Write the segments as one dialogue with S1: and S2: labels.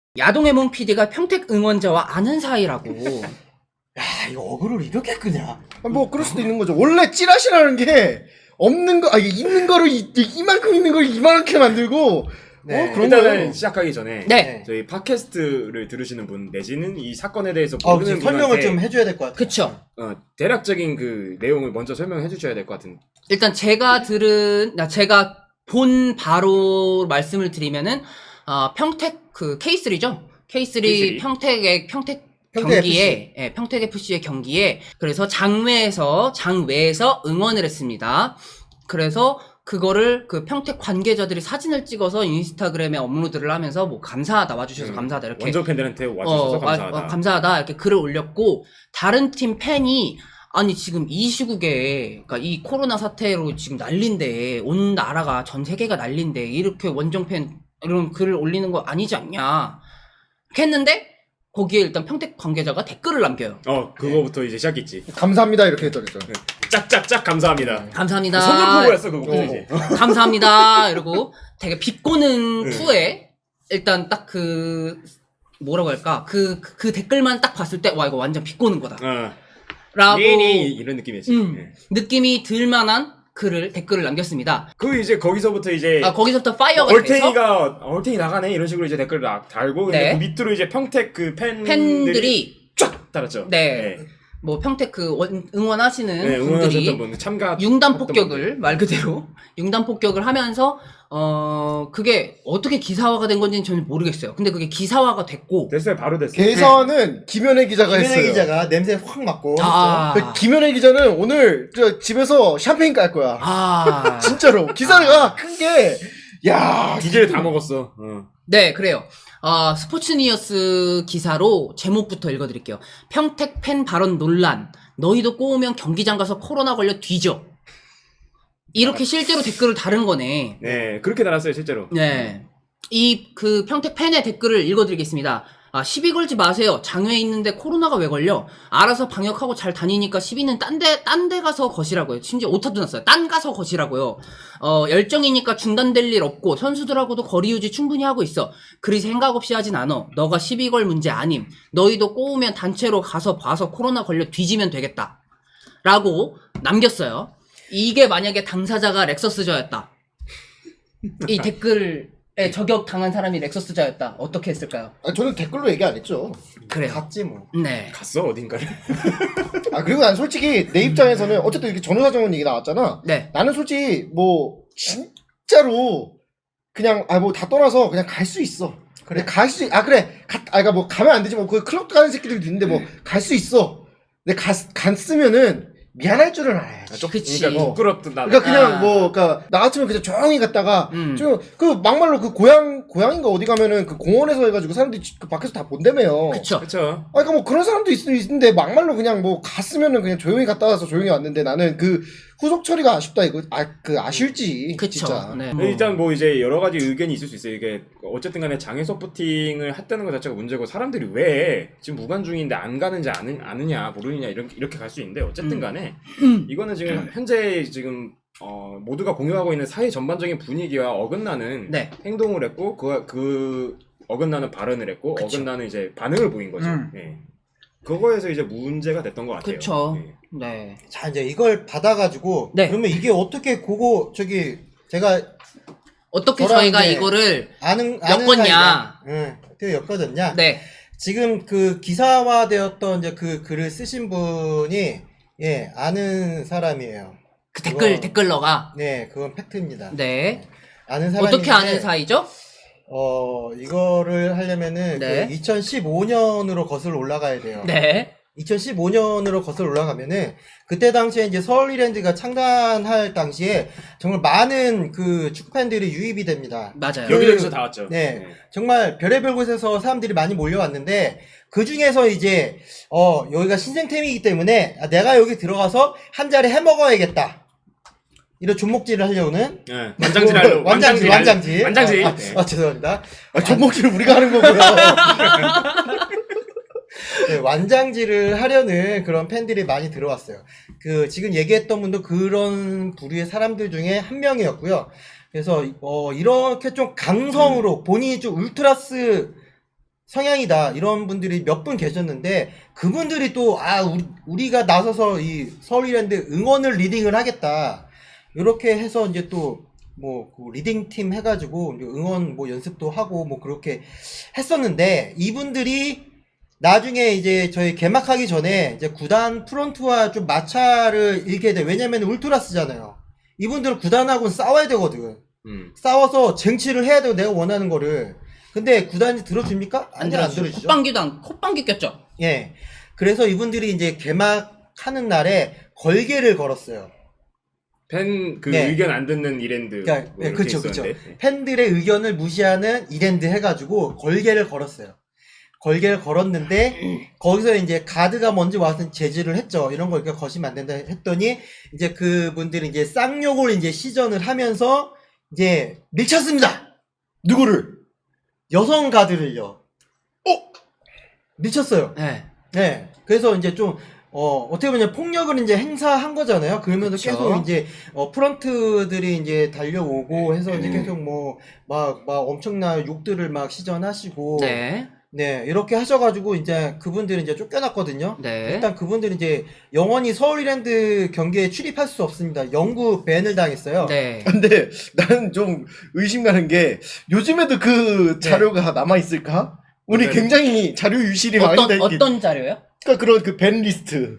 S1: 야동의몽 PD가 평택 응원자와 아는 사이라고.
S2: 야, 이거 어그로를 이렇게 끄냐?
S3: 뭐 그럴 수도 있는 거죠. 원래 찌라시라는 게 없는 거, 있는 거를 이만큼 있는 걸 이만하게 만들고.
S2: 네.
S3: 그런
S4: 일단은
S3: 거예요.
S4: 시작하기 전에
S1: 네.
S4: 저희 팟캐스트를 들으시는 분 내지는 이 사건에 대해서
S2: 지금
S4: 모르는
S2: 설명을
S4: 분한테
S2: 좀 해줘야 될 것 같아요.
S1: 그쵸.
S4: 대략적인 그 내용을 먼저 설명해 주셔야 될 것 같은.
S1: 일단 제가 본 바로 말씀을 드리면은, 평택 그 K3죠? K3 평택
S2: 평택
S1: 경기에, 예, 평택 FC의 경기에, 그래서 장외에서 응원을 했습니다. 그래서 그거를 그 평택 관계자들이 사진을 찍어서 인스타그램에 업로드를 하면서 뭐 감사하다, 와주셔서 감사하다, 이렇게.
S4: 원정 팬들한테 와주셔서 감사하다.
S1: 감사하다, 이렇게 글을 올렸고, 다른 팀 팬이, 아니, 지금 이 시국에, 그니까 이 코로나 사태로 지금 난린데, 온 나라가, 전 세계가 난린데, 이렇게 원정팬, 이런 글을 올리는 거 아니지 않냐. 이렇게 했는데, 거기에 일단 평택 관계자가 댓글을 남겨요.
S4: 그거부터 이제 시작했지.
S3: 감사합니다 이렇게 했더랬죠.
S4: 짝짝짝 감사합니다.
S1: 감사합니다.
S4: 선전포고였어 그거. 그지?
S1: 감사합니다. 이러고 되게 비꼬는 투에, 일단 딱 뭐라고 할까. 그 댓글만 딱 봤을 때, 와, 이거 완전 비꼬는 거다. 라고.
S4: 이런 느낌이지. 네.
S1: 느낌이 들만한 댓글을 남겼습니다.
S4: 그 이제 거기서부터 이제
S1: 거기서부터 파이어가 돼서
S4: 얼탱이 나가네 이런 식으로 이제 댓글을 달고
S1: 네.
S4: 근데 그 밑으로 이제 평택 그
S1: 팬들이
S4: 쫙 달았죠.
S1: 네. 뭐 평택 응원하시는
S4: 네,
S1: 분들이
S4: 응원하셨던 분 참가
S1: 융단 폭격을 말 그대로 융단 폭격을 하면서 그게 어떻게 기사화가 된 건지는 저는 모르겠어요. 근데 그게 기사화가 됐고
S4: 됐어요. 바로 됐어요.
S3: 개선은 김현애 기자가
S2: 김현애
S3: 했어요.
S2: 기자가 냄새 확 맡고.
S3: 그 김현애 기자는 오늘 집에서 샴페인 깔 거야. 진짜로 기사가 큰 게, 야,
S4: 두 개를 다 먹었어.
S1: 네, 그래요. 스포츠니어스 기사로 제목부터 읽어드릴게요. 평택 팬 발언 논란. 너희도 꼬우면 경기장 가서 코로나 걸려 뒤져. 이렇게 실제로 댓글을 다른 거네.
S4: 네, 그렇게 달았어요, 실제로.
S1: 네. 평택 팬의 댓글을 읽어드리겠습니다. 시비 걸지 마세요. 장외에 있는데 코로나가 왜 걸려? 알아서 방역하고 잘 다니니까 시비는 딴 데 가서 거시라고요. 심지어 오타도 났어요. 딴 가서 거시라고요. 열정이니까 중단될 일 없고 선수들하고도 거리 유지 충분히 하고 있어. 그리 생각 없이 하진 않어. 너가 시비 걸 문제 아님. 너희도 꼬우면 단체로 가서 봐서 코로나 걸려 뒤지면 되겠다. 라고 남겼어요. 이게 만약에 당사자가 렉서스저였다. 이 댓글에 저격 당한 사람이 렉서스저였다. 어떻게 했을까요?
S3: 저는 댓글로 얘기 안 했죠.
S1: 그래요.
S2: 갔지 뭐.
S1: 네.
S4: 갔어, 어딘가를.
S3: 그리고 난 솔직히 내 입장에서는 어쨌든 이렇게 전후사정원 얘기 나왔잖아.
S1: 네.
S3: 나는 솔직히 뭐 진짜로 그냥 뭐 다 떠나서 그냥 갈 수 있어. 그래 그러니까 뭐 가면 안 되지 뭐 그 클럽 가는 새끼들도 있는데 뭐 갈 수 있어. 근데 갔으면은 미안할 줄은 알아야지.
S1: 그치.
S4: 그러니까 부끄럽다.
S3: 그러니까 그냥 그러니까 나 같으면 그냥 조용히 갔다가 좀 막말로 고향인가 어디 가면은 그 공원에서 해가지고 사람들이 그 밖에서 다 본다며요.
S1: 그쵸.
S4: 그쵸.
S3: 그러니까 뭐 그런 사람도 있는데 막말로 그냥 뭐 갔으면은 그냥 조용히 갔다 와서 조용히 왔는데 나는 그 후속 처리가 아쉽다 이거 아쉬울지.
S1: 그쵸.
S3: 진짜.
S1: 네.
S4: 일단 뭐 이제 여러 가지 의견이 있을 수 있어요. 이게 어쨌든 간에 장애 서포팅을 했다는 것 자체가 문제고 사람들이 왜 지금 무관 중인데 안 가는지 아느냐 모르느냐 이렇게 갈 수 있는데 어쨌든 간에 이거는 지금 현재 지금 모두가 공유하고 있는 사회 전반적인 분위기와 어긋나는
S1: 네.
S4: 행동을 했고 그 어긋나는 발언을 했고
S1: 그쵸.
S4: 어긋나는 이제 반응을 보인 거죠. 예. 그거에서 이제 문제가 됐던 것 같아요.
S1: 그쵸.
S4: 예.
S1: 네.
S2: 자, 이제 이걸 받아가지고.
S1: 네.
S2: 그러면 이게 어떻게 제가
S1: 어떻게
S2: 저랑
S1: 저희가
S2: 이제
S1: 이거를
S2: 엮었냐.
S1: 엮었냐.
S2: 어떻게 엮어졌냐.
S1: 네.
S2: 지금 그 기사화되었던 이제 그 글을 쓰신 분이, 아는 사람이에요.
S1: 그
S2: 그건-
S1: 댓글러가.
S2: 네, 그건 팩트입니다.
S1: 네.
S2: 아는 사람인데.
S1: 어떻게 아는 사이죠?
S2: 이거를 하려면은
S1: 네.
S2: 그 2015년으로 거슬러 올라가야 돼요.
S1: 네.
S2: 2015년으로 거슬러 올라가면은 그때 당시에 이제 서울 이랜드가 창단할 당시에 정말 많은 그 축구 팬들이 유입이 됩니다.
S1: 맞아요.
S4: 여기저기서 다 왔죠.
S2: 네. 정말 별의별 곳에서 사람들이 많이 몰려왔는데 그 중에서 이제 여기가 신생팀이기 때문에 내가 여기 들어가서 한 자리 해 먹어야겠다. 이런 존목질을 하려는
S4: 네. 완장질. 완장질.
S2: 죄송합니다.
S3: 전목질을 우리가 하는 거고요.
S2: 네, 완장질을 하려는 그런 팬들이 많이 들어왔어요. 지금 얘기했던 분도 그런 부류의 사람들 중에 한 명이었고요. 그래서 이렇게 좀 강성으로 본인이 좀 울트라스 성향이다 이런 분들이 몇 분 계셨는데 그분들이 또 우리가 나서서 이 서울이랜드 응원을 리딩을 하겠다 이렇게 해서 이제 또 뭐 리딩 팀 해가지고 응원 뭐 연습도 하고 뭐 그렇게 했었는데 이분들이 나중에 이제 저희 개막하기 전에 이제 구단 프런트와 좀 마찰을 일게 돼. 왜냐면 울트라스잖아요. 이분들은 구단하고는 싸워야 되거든. 싸워서 쟁취를 해야 되고 내가 원하는 거를. 근데 구단이 들어줍니까?
S1: 안
S2: 안
S1: 들어주죠.
S2: 들어주죠.
S1: 콧방귀 꼈죠.
S2: 예. 그래서 이분들이 이제 개막하는 날에 걸개를 걸었어요.
S4: 팬 그
S2: 네.
S4: 의견 안 듣는 이랜드.
S2: 그러니까
S4: 뭐 이렇게
S2: 그렇죠, 그렇죠.
S4: 있었는데.
S2: 팬들의 의견을 무시하는 이랜드 해가지고 걸개를 걸었어요. 걸개를 걸었는데 거기서 이제 가드가 먼저 와서 제지를 했죠. 이런 거 이렇게 거시면 안 된다 했더니 이제 그분들이 이제 쌍욕을 이제 시전을 하면서 이제 밀쳤습니다.
S3: 누구를?
S2: 여성 가드를요. 밀쳤어요.
S1: 네.
S2: 네. 그래서 이제 좀 어떻게 보면 폭력을 이제 행사한 거잖아요. 그러면서
S1: 그쵸.
S2: 계속 이제 프런트들이 이제 달려오고 해서 이제 계속 뭐 막 엄청난 욕들을 막 시전하시고
S1: 네.
S2: 네, 이렇게 하셔가지고 이제 그분들은 이제 쫓겨났거든요.
S1: 네.
S2: 일단 그분들은 이제 영원히 서울이랜드 경기에 출입할 수 없습니다. 영구 밴을 당했어요.
S1: 네.
S3: 근데 나는 좀 의심 가는 게 요즘에도 그 자료가 남아 있을까? 우리
S4: 네.
S3: 굉장히 자료 유실이 많이 돼 있기.
S1: 어떤 자료요?
S3: 그러니까 그런 그 밴 리스트.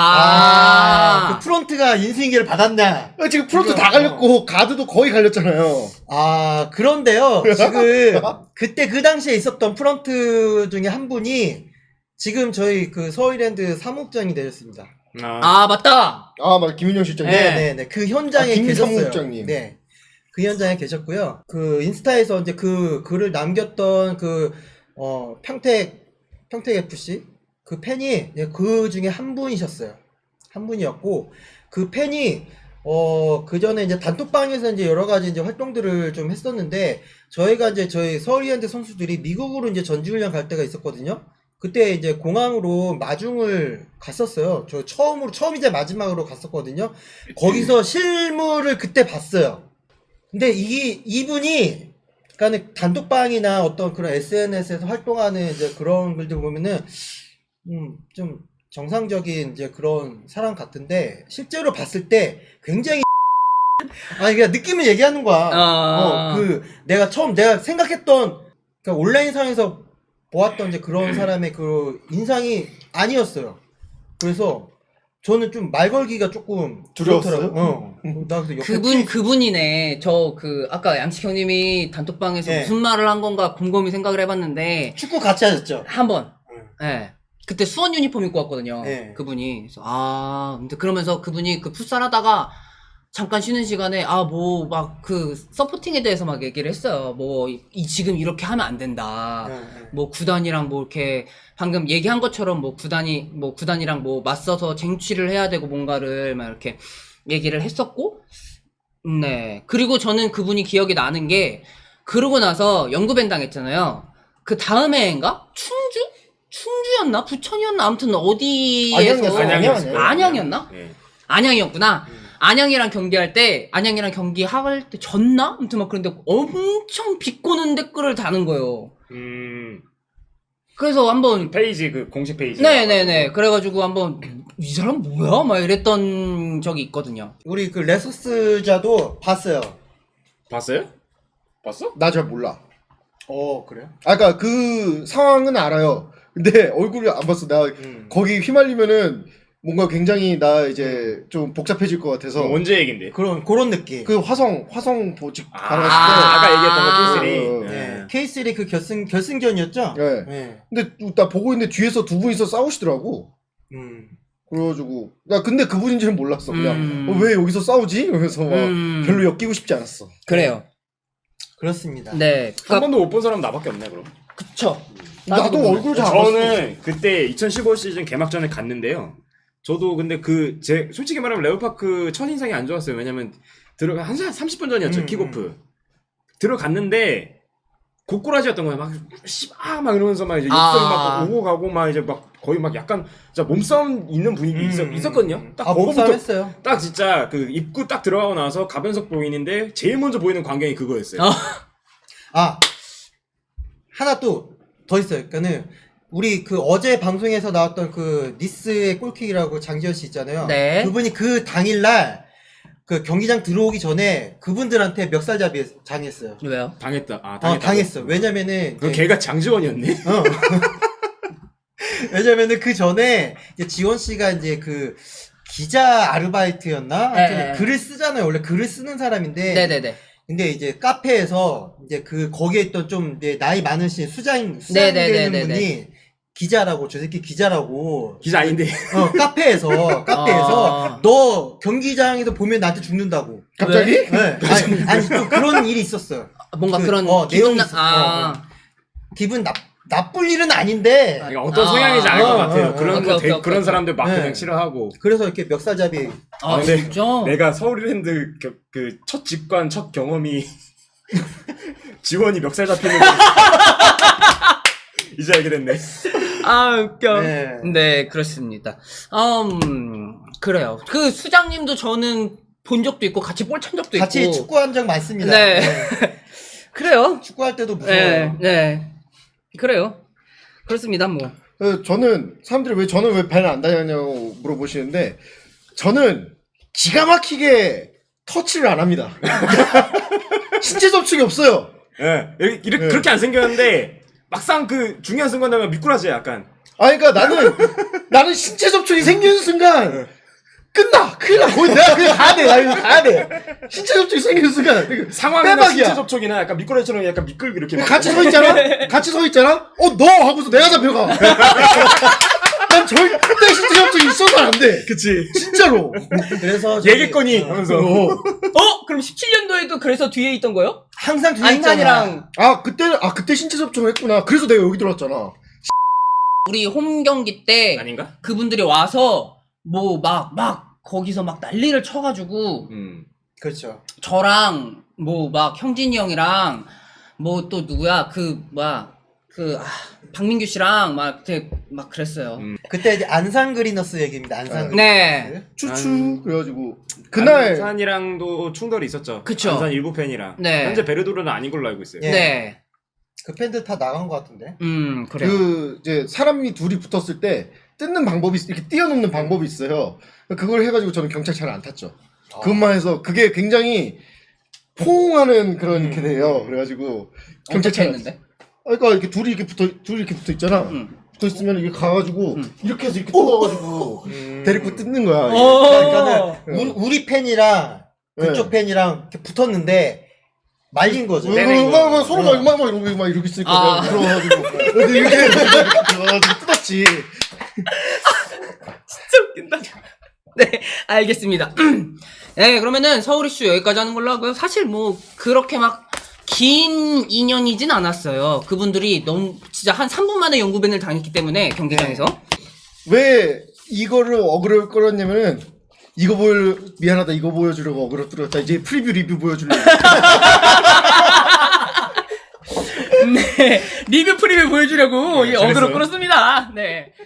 S2: 그 프런트가 인수인계를 받았냐?
S3: 지금 프론트
S2: 그죠?
S3: 다 갈렸고 가드도 거의 갈렸잖아요.
S2: 그런데요. 지금 그때 그 당시에 있었던 프런트 중에 한 분이 지금 저희 그 서울이랜드 사무국장이 되셨습니다.
S1: 맞다.
S3: 맞아 김윤영 실장님.
S1: 네.
S2: 네네네. 그 현장에
S3: 김
S2: 계셨어요.
S3: 사무국장님.
S2: 네. 그 현장에 계셨고요. 그 인스타에서 이제 그 글을 남겼던 평택 FC 그 팬이 그 중에 한 분이셨어요. 한 분이었고 그 팬이 그 전에 이제 단톡방에서 이제 여러 가지 이제 활동들을 좀 했었는데 저희가 이제 저희 서울이랜드 선수들이 미국으로 이제 전지훈련 갈 때가 있었거든요. 그때 이제 공항으로 마중을 갔었어요. 저 처음이자 마지막으로 갔었거든요. 거기서 실물을 그때 봤어요. 근데 이분이 그러니까 단톡방이나 어떤 그런 SNS에서 활동하는 이제 그런 글들 보면은 좀 정상적인 이제 그런 사람 같은데 실제로 봤을 때 굉장히 그냥 느낌을 얘기하는 거야. 내가 생각했던 그러니까 온라인상에서 보았던 이제 그런 사람의 그 인상이 아니었어요. 그래서 저는 좀 말 걸기가 조금
S3: 두려웠어요?
S2: 그렇더라고요. 나 그래서 옆에
S1: 그분이네. 아까 양식 형님이 단톡방에서
S2: 네.
S1: 무슨 말을 한 건가 곰곰이 생각을 해봤는데,
S2: 축구 같이 하셨죠?
S1: 한번. 예. 그때 수원 유니폼 입고 왔거든요.
S2: 네.
S1: 그분이. 그래서 근데 그러면서 그분이 그 풋살 하다가 잠깐 쉬는 시간에 서포팅에 대해서 막 얘기를 했어요. 지금 이렇게 하면 안 된다. 뭐 구단이랑 뭐 이렇게 방금 얘기한 것처럼 구단이랑 뭐 맞서서 쟁취를 해야 되고 뭔가를 막 이렇게 얘기를 했었고, 네. 그리고 저는 그분이 기억이 나는 게 그러고 나서 영구밴 당했잖아요. 그 다음 해인가? 충주였나? 부천이었나? 아무튼 어디에서 안양이었나?
S4: 네.
S1: 안양이었구나. 안양이랑 경기할 때 졌나? 아무튼 막 그런데 엄청 비꼬는 댓글을 다는 거예요. 그래서 한번
S4: 페이지 그 공식 페이지.
S1: 네네네. 그래가지고 한번 이 사람 뭐야? 막 이랬던 적이 있거든요.
S2: 우리 그 레소스자도 봤어요.
S4: 봤어요? 봤어?
S3: 나 잘 몰라.
S2: 그래요?
S3: 그러니까 그 상황은 알아요. 근데 얼굴을 안 봤어. 나 거기 휘말리면은 뭔가 굉장히 나 이제 좀 복잡해질 것 같아서.
S4: 언제 얘긴데?
S2: 그런 느낌.
S3: 그 화성 보직 가능했을
S4: 아까
S3: 때.
S4: 얘기했던 거
S2: 네. K3 그 결승전이었죠?
S3: 네.
S2: 네.
S3: 근데 나 보고 있는데 뒤에서 두 분이서 싸우시더라고. 그래가지고 나 근데 그분인지는 몰랐어. 그냥 왜 여기서 싸우지? 이러면서 막 별로 엮이고 싶지 않았어.
S1: 그래요.
S2: 그렇습니다.
S1: 네.
S4: 한 번도 못 본 사람 나밖에 없네 그럼.
S1: 그쵸.
S3: 나도 얼굴 잘 안 봤어.
S4: 저는 그때 2015 시즌 개막전에 갔는데요. 저도 근데 솔직히 말하면 레오파크 첫인상이 안 좋았어요. 왜냐면 한 30분 전이었죠. 킥오프. 들어갔는데 고꾸라지였던 거예요. 막 이러면서 막 이제 욕설이 막 오고 가고 막 이제 막 거의 막 약간 진짜 몸싸움 있는 분위기 있었거든요. 딱
S2: 몸싸움 했어요.
S4: 딱 진짜 그 입구 딱 들어가고 나서 가변석 보이는데 제일 먼저 보이는 광경이 그거였어요.
S2: 하나 또 더 있어요. 그러니까는 우리 그 어제 방송에서 나왔던 그 니스의 골킥이라고 장지현 씨 있잖아요.
S1: 네.
S2: 그분이 그 당일날 그 경기장 들어오기 전에 그분들한테 멱살잡이 당했어요.
S1: 왜요?
S4: 당했다. 아, 당했다.
S2: 당했어. 왜냐면은
S4: 그 걔가 장지원이었네.
S2: 왜냐면은 그 전에 이제 지원 씨가 이제 그 기자 아르바이트였나? 하여튼
S1: 네.
S2: 글을 쓰잖아요. 원래 글을 쓰는 사람인데.
S1: 네네네.
S2: 근데 이제 카페에서 이제 그 거기에 있던 좀 이제 나이 많으신 수장
S1: 네네네네네.
S2: 되는 분이 기자라고 저 새끼 기자라고
S4: 기자 아닌데.
S2: 카페에서
S1: 아.
S2: 너 경기장에서 보면 나한테 죽는다고.
S3: 갑자기?
S2: 네. 아니 좀 그런 일이 있었어요.
S1: 뭔가
S2: 그,
S1: 그런
S2: 내용이
S1: 나-
S2: 있었어. 기분 나쁠 일은 아닌데
S4: 그러니까 어떤 성향인지 알 것 같아요. 그런
S1: 오케이,
S4: 거
S1: 오케이, 오케이,
S4: 그런
S1: 오케이.
S4: 사람들 막
S2: 네.
S4: 그냥 싫어하고.
S2: 그래서 이렇게 멱살잡이
S1: 아,
S4: 근데
S1: 진짜?
S4: 내가 서울랜드 그 첫 직관 첫 경험이 지원이 멱살 잡히는 거 이제 알게 됐네.
S1: 아, 웃겨.
S2: 네.
S1: 네, 그렇습니다. 그래요. 그 수장님도 저는 본 적도 있고, 같이 볼 찬 적도
S2: 같이
S1: 있고.
S2: 축구한 적 많습니다.
S1: 네. 그래요.
S2: 축구할 때도 무서워요.
S1: 네, 네. 그래요. 그렇습니다, 뭐.
S3: 저는 사람들이 왜 저는 왜 배는 안 다녔냐고 물어보시는데 저는 기가 막히게 터치를 안 합니다. 신체 접촉이 없어요.
S4: 예. 이렇게
S3: 네.
S4: 그렇게 안 생겼는데 막상 그 중요한 순간 되면 미꾸라지 약간.
S3: 아, 그러니까 나는 신체 접촉이 생기는 순간 끝나, 큰일 나. 거의 내가 그냥 가야 돼. 나 이거 가야 돼. 신체 접촉이 생기는 순간
S4: 상황이나
S3: 빼박이야.
S4: 신체 접촉이나 약간 미꾸라지처럼 약간 미끌 이렇게 막
S3: 같이 서 있잖아. 같이 서 있잖아. 너 하고서 내가 잡혀가. 난 절대 신체 접촉이 있어서 안 돼.
S4: 그치.
S3: 진짜로.
S2: 그래서 저기,
S4: 얘기거니 하면서.
S1: 그럼 17년도에도 그래서 뒤에 있던 거예요?
S2: 항상 뒤에 있잖아.
S1: 안산이랑
S3: 그때 신체 접촉을 했구나. 그래서 내가 여기 들어왔잖아.
S1: 우리 홈 경기 때
S4: 아닌가?
S1: 그분들이 와서 뭐 막 거기서 막 난리를 쳐가지고
S2: 그렇죠.
S1: 저랑 뭐 막 형진이 형이랑 뭐 또 누구야 박민규 씨랑 막 되게 막 그랬어요.
S2: 그때 이제 안산 그리너스 얘기입니다. 안산 그리너스.
S1: 네.
S3: 추추. 그래가지고. 그날.
S4: 안산이랑도 충돌이 있었죠.
S1: 그쵸.
S4: 안산 일부 팬이랑.
S1: 네.
S4: 현재 베르도르는 아닌 걸로 알고 있어요.
S2: 예.
S1: 네.
S2: 그 팬들 다 나간 것 같은데.
S1: 그래요.
S3: 이제 사람이 둘이 붙었을 때 뜯는 방법이 이렇게 띄워놓는 방법이 있어요. 그걸 해가지고 저는 경찰차를 안 탔죠. 그것만 해서 그게 굉장히 포옹하는 그런 이렇게 돼요. 그래가지고
S1: 경찰차
S3: 경찰차
S1: 있는데?
S3: 그러니까 이렇게 둘이 이렇게 붙어 있잖아. 붙어 있으면 이게 가가지고 이렇게 해서 이렇게 뜯어가지고 데리고 뜯는 거야.
S2: 그러니까는 우리 팬이랑 그쪽
S3: 네.
S2: 팬이랑 이렇게 붙었는데 말린 거죠.
S3: 서로 막 이러고 있으니까 내가 들어가가지고 이렇게 들어가가지고 뜯었지.
S1: 진짜 웃긴다. 네, 알겠습니다. 네, 그러면은 서울 이슈 여기까지 하는 걸로 하고요. 사실 뭐 그렇게 막 긴 인연이진 않았어요. 그분들이 너무 진짜 한 3분 만에 영구밴을 당했기 때문에 경기장에서.
S3: 왜 이거를 어그로 끌었냐면은 미안하다 이거 보여주려고 어그로 끌었다. 이제 프리뷰 리뷰 보여주려고.
S1: 네, 리뷰 프리뷰 보여주려고
S4: 네,
S1: 이 어그로
S4: 잘했어요.
S1: 끌었습니다. 네.